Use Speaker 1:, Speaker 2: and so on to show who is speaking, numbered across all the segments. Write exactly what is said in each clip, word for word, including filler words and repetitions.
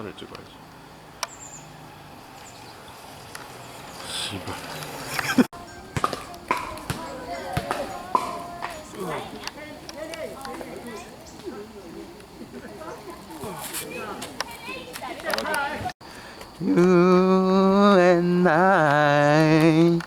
Speaker 1: 사진을 찍어야지. 씨발.
Speaker 2: You and I.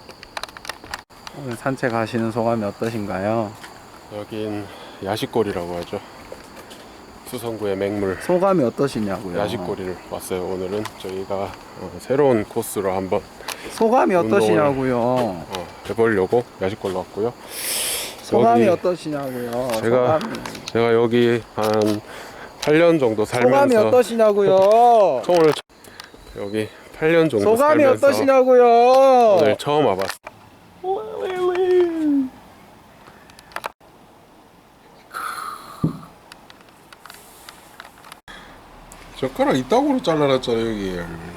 Speaker 2: 오늘 산책하시는 소감이 어떠신가요?
Speaker 1: 여긴 야식거리라고 하죠. 수성구의 맹물
Speaker 2: 소감이 어떠시냐고요?
Speaker 1: 야식거리를 왔어요. 오늘은 저희가 어, 새로운 코스로 한번
Speaker 2: 소감이 어떠시냐고요?
Speaker 1: 어, 해보려고 야식거리로 왔고요.
Speaker 2: 소감이
Speaker 1: 여기
Speaker 2: 어떠시냐고요?
Speaker 1: 제가
Speaker 2: 소감이.
Speaker 1: 제가 여기 한 팔 년 정도 살면서
Speaker 2: 소감이 어떠시냐고요?
Speaker 1: 오늘 여기 팔 년 정도
Speaker 2: 소감이
Speaker 1: 살면서
Speaker 2: 어떠시냐고요?
Speaker 1: 오늘 처음 와봤어. 젓가락 이따구로 잘라놨잖아 여기.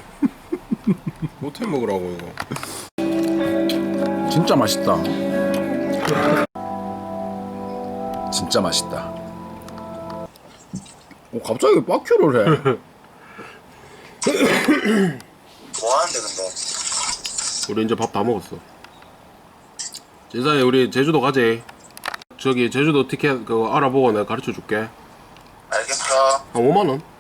Speaker 1: 못해 먹으라고 이거.
Speaker 3: 진짜 맛있다. 진짜 맛있다. 어, 갑자기 빡큐를 해.
Speaker 4: 뭐하는데 근데?
Speaker 1: 우리 이제 밥 다 먹었어. 제사에 우리 제주도 가재. 저기 제주도 티켓 그거 알아보고 내가 가르쳐 줄게.
Speaker 4: 알겠어.
Speaker 1: 한 오만 원?